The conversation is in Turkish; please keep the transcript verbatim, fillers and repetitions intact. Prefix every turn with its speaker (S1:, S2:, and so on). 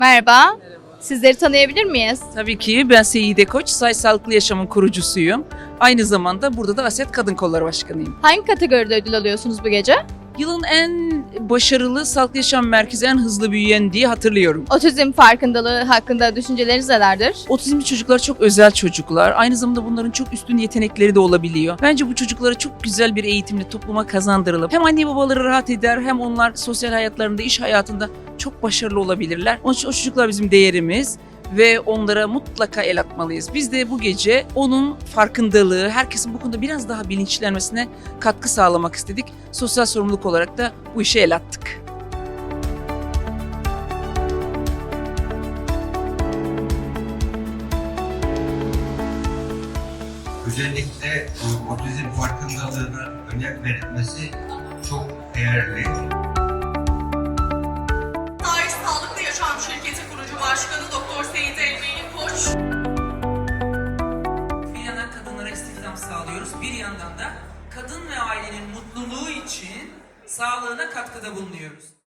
S1: Merhaba. Sizleri tanıyabilir miyiz?
S2: Tabii ki ben Seyide Koç, Say Sağlıklı Yaşam'ın kurucusuyum. Aynı zamanda burada da Aset Kadın Kolları Başkanıyım.
S1: Hangi kategoride ödül alıyorsunuz bu gece?
S2: Yılın en başarılı Sağlıklı Yaşam Merkezi, en hızlı büyüyen diye hatırlıyorum.
S1: Otizm farkındalığı hakkında düşünceleriniz nelerdir?
S2: Otizmli çocuklar çok özel çocuklar. Aynı zamanda bunların çok üstün yetenekleri de olabiliyor. Bence bu çocuklara çok güzel bir eğitimle topluma kazandırılıp hem anne babaları rahat eder hem onlar sosyal hayatlarında, iş hayatında çok başarılı olabilirler. Onun için o çocuklar bizim değerimiz ve onlara mutlaka el atmalıyız. Biz de bu gece onun farkındalığı, herkesin bu konuda biraz daha bilinçlenmesine katkı sağlamak istedik. Sosyal sorumluluk olarak da bu işe el attık.
S3: Özellikle otizm farkındalığına önem verilmesi çok değerli.
S4: Tarih Sağlıklı Yaşam Şirketi kurucu başkanı Doktor Seyit Elmeni Koç.
S2: Bir yandan kadınlara istihdam sağlıyoruz, bir yandan da kadın ve ailenin mutluluğu için sağlığına katkıda bulunuyoruz.